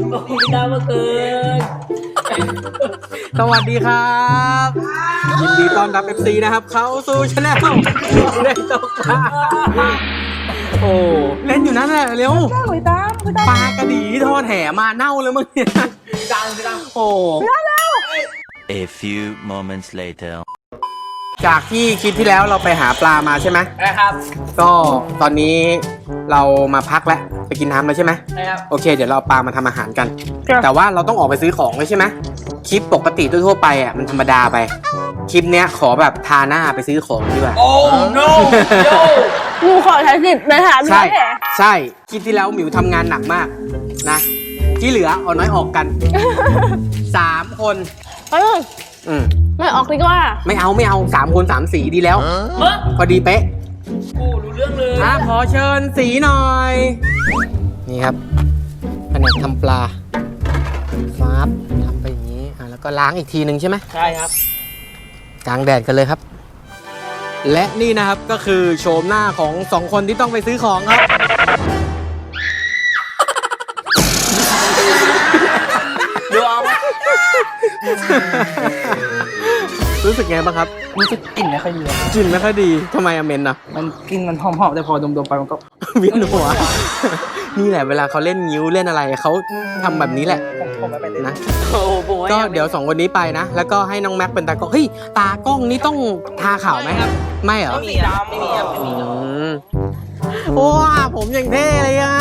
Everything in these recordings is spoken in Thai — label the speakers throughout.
Speaker 1: พี่ดาวมาเกิน
Speaker 2: สวัสดีครับยินดีต้อนรับ FC นะครับเข้าสู่ช anel เล่นตกปลาโอ้เล่นอยู่นั่นแหละเร็วปลากระดีที่ทอดแห่มาเน่าเลยมึงเนี่ยพี่ดังโอ้
Speaker 3: A few moments later
Speaker 2: จากที่คลิปที่แล้วเราไปหาปลามาใช่ไหม
Speaker 1: นะครับ
Speaker 2: ก็ตอนนี้เรามาพักแล้วไปกินน้ำแล้วใช่ไหม
Speaker 1: นะครับ
Speaker 2: โอเคเดี๋ยวเราเอาปลามาทำอาหารกัน แต่ว่าเราต้องออกไปซื้อของเลยใช่ไหมคลิปปกติทั่วๆไปอ่ะมันธรรมดาไปคลิปเนี้ยขอแบบทาหน้าไปซื้อของดีกว่า
Speaker 1: โอ้ no
Speaker 4: หนูขอใช้สิทธิ์ในฐานะ
Speaker 2: ใช่
Speaker 4: แผล
Speaker 2: ใช่คลิปที่แล้วหมิวทำงานหนักมากนะที่เหลือเอาน้อยออกกัน 3 คน อืม
Speaker 4: ไม่ออกดีกว่า
Speaker 2: ไม่เอา3 คน 3 สีดีแล้ว
Speaker 1: เฮ้ย
Speaker 2: พอดีเป๊ะ
Speaker 1: โอ้รู้เรื่องเลย
Speaker 2: ขอเชิญสีหน่อย นี่ครับแผนกทำปลาฟับทำไปอย่างนี้แล้วก็ล้างอีกทีหนึ่งใช่ไหม
Speaker 1: ใช่ครับ
Speaker 2: กลางแดดกันเลยครับ และนี่นะครับก็คือโฉมหน้าของ2 คนที่ต้องไปซื้อของครับ
Speaker 1: ดูเอา
Speaker 2: รู้สึกไงบ้างครับ
Speaker 1: รู้สึกกลิ่นไม่ค่อยดี
Speaker 2: กลิ่นไม่ค่อยดีทำไมอะเมนอะ
Speaker 1: มันกลิ่นมันหอมๆแต่พอดมๆไปมันก็
Speaker 2: เวียนหัว นี่แหละเวลาเขาเล่นงิ้วเล่นอะไรเขาทำแบบนี้แหละ
Speaker 1: ผมไม่ไปเลย
Speaker 2: นะ
Speaker 1: โอ้โห
Speaker 2: ก็เดี๋ยว2 คนนี้ไปนะ แล้วก็ให้น้องแม็กเป็นตากล้องเฮ้ยตากล้องนี่ต้องทาขาวไหมไม่เหรอ
Speaker 1: ไม่มีดำไม่มีครับไม่มี
Speaker 2: ว้าผมอย่างเท่เลยอ่ะ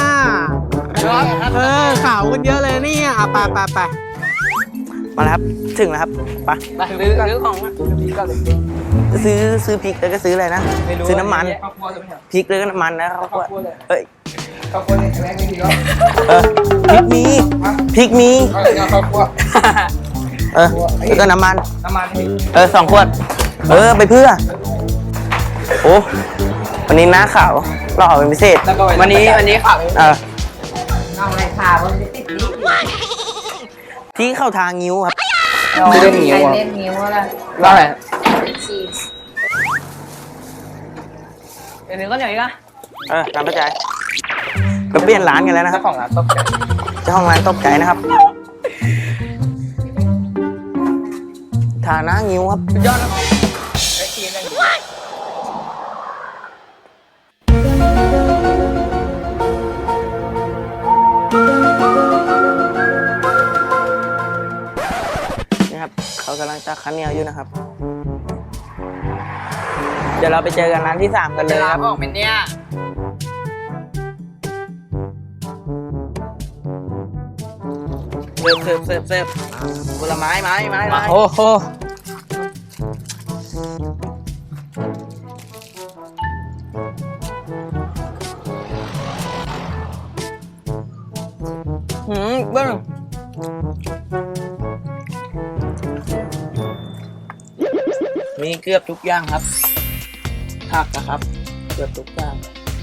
Speaker 2: ขาวกันเยอะเลยเนี่ยไป
Speaker 5: มาแล้วครับถึงแล้วครับไป
Speaker 1: ไปซื้อของอ่ะ
Speaker 5: ซื้อพริกแล้วก็ซื้ออะไรนะซื้อน้ำมันพริกแล้วก็น้ำมันนะครับเฮ้ย
Speaker 6: ข้าวคั่วนี่แรกนี่ดีก็
Speaker 5: พริกมี
Speaker 6: อะไรนะข้าวคั่ว
Speaker 5: แล้วก็น้ำมัน
Speaker 6: น้ำมันนี่
Speaker 5: 2 ขวดไปเพื่อโอ้วันนี้หน้าขาวหล่อเป็นพิเศษ
Speaker 1: วันนี้ข่าว
Speaker 6: เอาอะไรข่าวมันจะติดนี่
Speaker 5: ที่เข้าทางงิ้วครับ
Speaker 1: ไม่ได้หนี
Speaker 6: ใคร
Speaker 1: วะ
Speaker 6: เล่นนิ้วอะไร
Speaker 1: ว่าอะไร
Speaker 6: ชีส
Speaker 1: เดี๋ยวนึงก็เหนียวอีกอ่ะ
Speaker 5: ตามเข้าใจเราเปลี่ยนร้านกันแล้วนะครับ
Speaker 1: ของร้านตบกัน
Speaker 5: เจ้าของร้านตบไก่นะครับทาหน้างิ้วครับ
Speaker 1: สุดยอดนะครับไอ้ทีมนั่น
Speaker 5: นี่ครับเขากำลังจะคั้นเหนียวอยู่นะครับ เดี๋ยวเราไปเจอกันร้านที่ 3 กันเลยครับ
Speaker 1: ออกเป็นเนี่ย
Speaker 5: เสิร์ฟผลไม้ไม้
Speaker 1: โอ้โห
Speaker 5: เบิ้งมีเกือบทุกอย่างครับผักนะครับ เกือบทุกอย่าง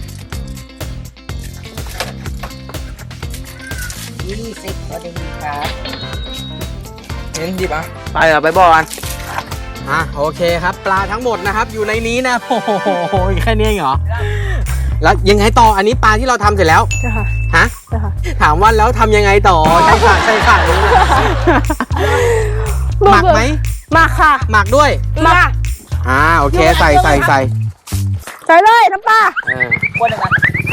Speaker 6: 20พอดีครับ
Speaker 1: เห็นดิบอ่ะ
Speaker 5: ไปเหรอไปบ่อกัน
Speaker 2: โอเคครับปลาทั้งหมดนะครับอยู่ในนี้นะโอ้โหแค่นี้เองเหรอแล้วยังไงต่ออันนี้ปลาที่เราทำเสร็จแล้ว
Speaker 4: ใช่ค่ะ
Speaker 2: ฮะ
Speaker 4: ใช่ค่ะ
Speaker 2: ถามว่าแล้วทำยังไงต่อใช่ค่ะนี่แหละหมักไหม
Speaker 4: มาค่ะ
Speaker 2: หมักด้วย
Speaker 4: มา
Speaker 2: โอเคใส่
Speaker 4: ใส่เลยน้ำปลา
Speaker 1: คนหนึ่งอ่ะ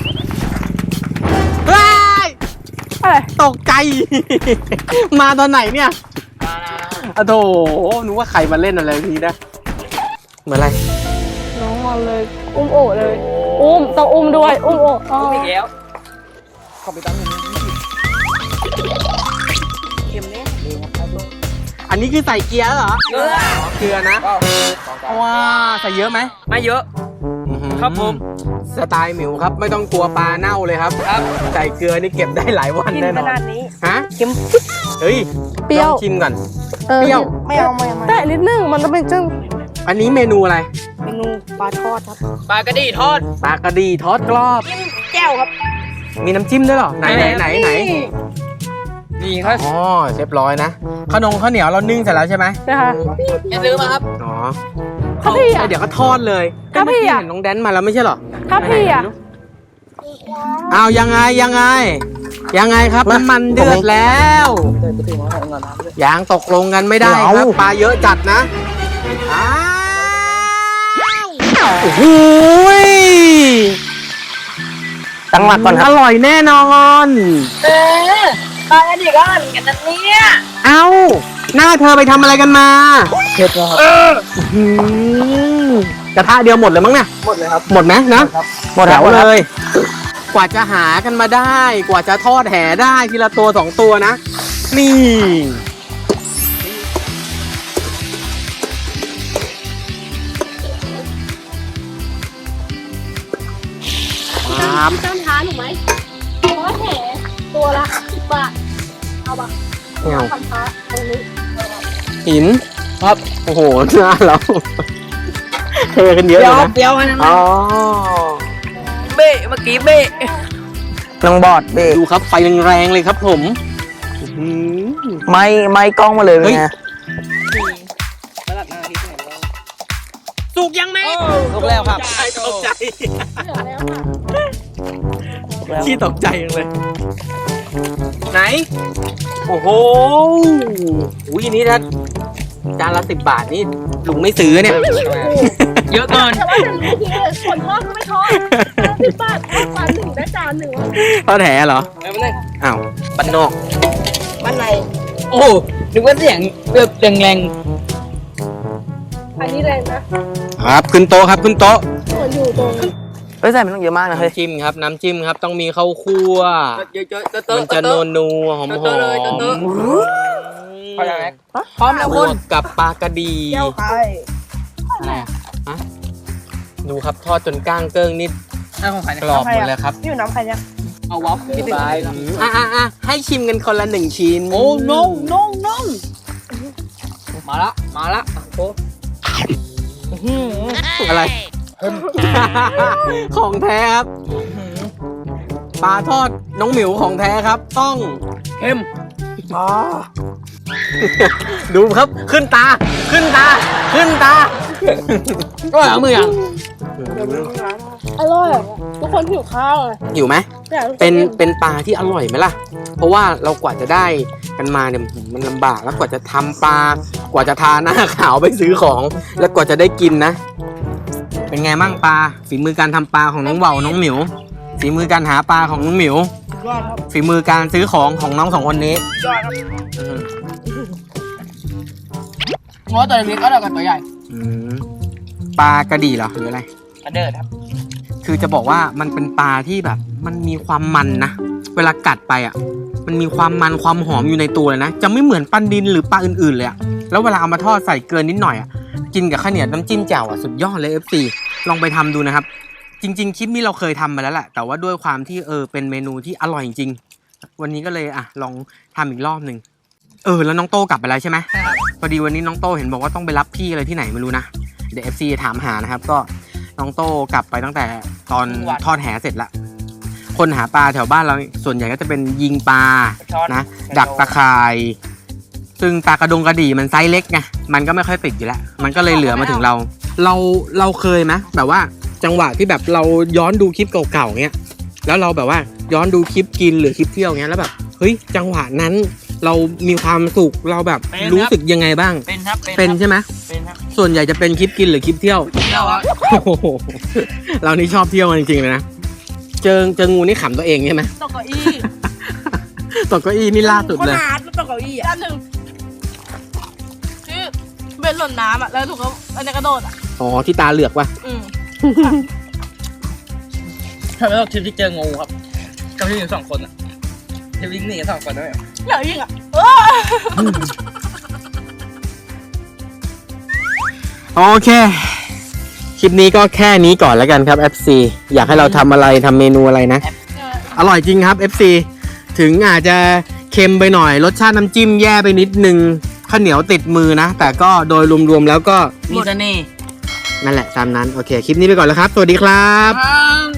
Speaker 2: เฮ้ย
Speaker 4: อะไร
Speaker 2: ตกใจ มาตอนไหนเนี่ยอะโถนึกว่าใครมาเล่นอะไรทีนะเหมือนอะไร
Speaker 4: น้องมาเลย อุ้มโอเลย ต้องอุ้มด้วย อุ้มโออ๋อ
Speaker 1: อีกแล้ว
Speaker 6: ขอไปตั้งหนึ่งเค็มเนี่ย
Speaker 2: อันนี้คือใส่เกียร์เหรอ
Speaker 1: เกลือ
Speaker 2: เกลือนะ ว้าใส่เยอะไหม
Speaker 1: ไม่เยอะ ครับผม
Speaker 2: สไตล์หมิวครับ ไม่ต้องกลัวปลาเน่าเลยครับ
Speaker 1: ครับ
Speaker 2: ใส่เกลือนี่เก็บได้หลายวัน
Speaker 4: กิน
Speaker 2: แน่น
Speaker 4: ข
Speaker 2: อน
Speaker 4: นาดนี้
Speaker 2: ฮะ
Speaker 4: เค็ม
Speaker 2: เฮ้ย
Speaker 4: เปรี้ยว
Speaker 2: ลองชิมก่อน
Speaker 4: เป
Speaker 2: เปรี้ยว
Speaker 4: ไม่เอาแต่นิดนึงมันจะเป็นจัง
Speaker 2: อันนี้เมนูอะไร
Speaker 4: เมนูปลาทอดครับ
Speaker 1: ปลากระดีทอด
Speaker 2: ปลากระดีทอดกรอบ
Speaker 4: แก้วครับ
Speaker 2: มีน้ำจิ้มด้วยเหรอ ไหน
Speaker 1: นี่ครับ
Speaker 2: อ๋อเรียบร้อยนะขนมข้าวเหนียวเรานึ่งเสร็จแล้วใช่ไหม
Speaker 4: นะคะ
Speaker 1: อย่าซื้อมาครับ
Speaker 2: อ๋อ
Speaker 4: ถ้าพี่อ่ะ
Speaker 2: เดี๋ยวก็ทอดเลย
Speaker 4: ถ้าพี่อะ
Speaker 2: เมื่กี้เห็นน้องแดนมาแล้วไม่ใช่เหรอ
Speaker 4: ถ้าพี่อ่ะ
Speaker 2: เอายังไงยังไงครับน้ำมันเดือดแล้วยังตกลงกันไม่ได้ครับปลาเยอะจัดนะอ้าวโอ้โห
Speaker 5: ตั้งหลักก่อนค
Speaker 2: อ
Speaker 5: รับ
Speaker 2: ร่อยแน่นอน
Speaker 6: ปลาดิก็เหมือนกันนะเนี่ย
Speaker 2: เอ้าหน้าเธอไปทำอะไรกันมา
Speaker 5: เผ็ดนะครับ
Speaker 2: หืมกระทะเดียวหมดเลยมั้งเนี่ย
Speaker 5: หมดเลยครับ
Speaker 2: หมดไหมนะ
Speaker 5: หมด
Speaker 2: แถ
Speaker 5: แล้ว
Speaker 2: ว
Speaker 5: เล
Speaker 2: เลย ย กว่าจะหากันมาได้ กว่าจะทอดแหได้ทีละตัวสองตัวนะ นี่ครับ
Speaker 4: พี่ตั้มท้าหนูไหมเพราะว่าแหตัวละ10 บาท เอาปะ
Speaker 2: ไม่เอา
Speaker 4: พันท้าตรงนี้
Speaker 2: หินครับ โอ้โหหน้าเราเทกันเยอะ
Speaker 6: เป
Speaker 2: เล
Speaker 6: รี้ย
Speaker 2: ยว นะ
Speaker 6: เปรี้ยวนะ
Speaker 2: อ๋อ
Speaker 6: เบ้เมื่อกี้เบ้
Speaker 5: น้องบอดเบรก
Speaker 2: ดูครับไฟแรงๆเลยครับผมอื้อหือ
Speaker 5: ไม่กล้องมาเลย
Speaker 2: เฮ้ย
Speaker 5: ไง
Speaker 2: สุกยังไหม
Speaker 6: ถูกแล้วครับ
Speaker 2: ตกใจ
Speaker 4: เหลือแล้วค่ะ
Speaker 2: ขี้ตกใจจังเลย ไหน โอ้โหอุ้ยอันนี้ถ้าจานละ10 บาทนี่ลุงไม่ซื้อเนี่ย เยอะเกิน
Speaker 4: แต่ว่าจะรู้ทีเลยคนทอดก็ไม่ทอด10 บาททอดปลาหนึ่งได้จานหนึ่งวะ
Speaker 2: ทอดแหเหรอ อ้าวบ้านนอก
Speaker 6: มันไหนโอ้นึกว่าเสียงแบบแรง
Speaker 4: อันนี้แรงนะครับ
Speaker 2: ขึ้นโต๊ะครับขึ้นโต๊ะ
Speaker 4: ส่วนอยู่ตรง
Speaker 5: เฮ้ยใส่มันต้องเยอะมากนะเฮ้ย
Speaker 2: น้ำจิ้มครับ น้ำจิ้มครับ ต้องมีข้าวคั่ว
Speaker 6: ๆเยอะๆ
Speaker 2: มันจะนัวหอม
Speaker 6: เตอะเลยเตอะ พร้อมแล้ว พร้อมแล้ว
Speaker 2: บ
Speaker 6: คุ
Speaker 2: ว
Speaker 6: ณ
Speaker 2: กกับปลากระดี
Speaker 6: เจ้าใคร
Speaker 2: อะไรอะฮะดูครับทอดจนก้างเกิ้งนิด
Speaker 6: ของใคร
Speaker 2: กรอบหมดเลยครับ
Speaker 4: อยู่น้ำใครเนี่ย
Speaker 6: เอาวอฟที่ติด
Speaker 2: อ่ะให้ชิมกันคนละ1 ชิ้น
Speaker 6: โอ้น้องมาละโอ้
Speaker 2: อะไร ของแท้ครับปลาทอดน้องหมิวของแท้ครับ ต้อง
Speaker 6: เข้ม
Speaker 2: ดูครับขึ้นตา ขึ้นตา ขึ้นตาก็เอามือยัง
Speaker 4: อร่อยอะทุกคนหิวข้าวเลย
Speaker 2: หิวไหม
Speaker 4: อยากให้ทุกค
Speaker 2: เป็นปลาที่อร่อยไหมล่ะ เพราะว่าเรากว่าจะได้กันมาเนี่ยมันลำบากแล้วกว่าจะทำปลากว่าจะทาหน้าขาวไปซื้อของ แล้วกว่าจะได้กินนะ เป็นไงมั่งปลาฝีมือการทำปลาของน้องเบาน้องหมิวฝีมือการหาปลาของน้องหมิว
Speaker 6: ยอดครับ
Speaker 2: ฝีมือการซื้อของของน้อง2 คนนี้
Speaker 6: ยอดครับง้อตัวเล็กก็เท่ากับตัวใหญ่
Speaker 2: อืมปลากระดีเหรอหรืออะไร
Speaker 6: กระเดิดครับ
Speaker 2: คือจะบอกว่ามันเป็นปลาที่แบบ มันมีความมันนะเวลากัดไปอ่ะ มันมีความมันความหอมอยู่ในตัวเลยนะจะไม่เหมือนปลาดินหรือปลาอื่นๆเลยอ่ะแล้วเวลาเอามาทอดใส่เกลือนิดหน่อยอ่ะกินกับข้าวเหนียวน้ำจิ้มแจ่วอ่ะสุดยอดเลย FC ลองไปทำดูนะครับ จริงๆคลิปนี้เราเคยทำมาแล้วแหละแต่ว่าด้วยความที่เป็นเมนูที่อร่อยจริงๆวันนี้ก็เลยลองทำอีกรอบหนึ่งแล้วน้องโต้กลับไปแล้วใช่ไหมพอดีวันนี้น้องโต้เห็นบอกว่าต้องไปรับพี่อะไรที่ไหนไม่รู้นะเดี๋ยว FC ถามหานะครับก็น้องโต้กลับไปตั้งแต่ตอนทอดแหเสร็จละคนหาปลาแถวบ้านเราส่วนใหญ่ก็จะเป็นยิงปลานะดักตะข่ายซึ่งปลากระดงกระดี่มันไซส์เล็กไงมันก็ไม่ค่อยติดอยู่แล้วมันก็เลยเหลือมาถึงเราเคยไหมแบบว่าจังหวะที่แบบเราย้อนดูคลิปเก่าๆเงี้ยแล้วเราแบบว่าย้อนดูคลิปกินหรือคลิปเที่ยวเงี้ยแล้วแบบเฮ้ยจังหวะนั้นเรามีความสุขเราแบบรู้สึกยังไงบ้าง
Speaker 6: เป็นครับ
Speaker 2: เป็นใช่ไหม
Speaker 6: เป็นครับ
Speaker 2: ส่วนใหญ่จะเป็นคลิปกินหรือคลิปเที่ยว
Speaker 6: เที่ยวครับ
Speaker 2: โอ้โหเรานี่ชอบเที่ยวจริงๆเลยนะเจองูนี่ขำตัวเองใช่ไหม
Speaker 4: ตกเก้าอี้
Speaker 2: ตกเก้าอี้นี่ล่าสุดเลย
Speaker 6: หาดตกเก้าอี้อ่ะ
Speaker 4: จานหนึ่งที่เบ็ดหล่นน้ำอ่ะแล้วถูกเขาอันนี้กระโดดอ่ะ
Speaker 2: อ๋อที่ตาเหลือกว่ะ
Speaker 6: ทำไมต้องทริปที่เจองูครับกับที่อยู่2 คนอ่ะทริปวิ่งหนีกัน2 คนได้ไหม
Speaker 4: อยากยิงอ่ะ
Speaker 2: โอเคคลิปนี้ก็แค่นี้ก่อนแล้วกันครับ FC อยากให้เราทำอะไรทำเมนูอะไรนะ อร่อยจริงครับ FC ถึงอาจจะเค็มไปหน่อยรสชาติน้ำจิ้มแย่ไปนิดนึงข้าวเหนียวติดมือนะแต่ก็โดยรวมๆแล้วก็
Speaker 6: มีเสน่ห์
Speaker 2: นั่นแหละตามนั้นโอเคคลิปนี้ไปก่อนแล้วครับสวัสดีครับ
Speaker 6: ครับ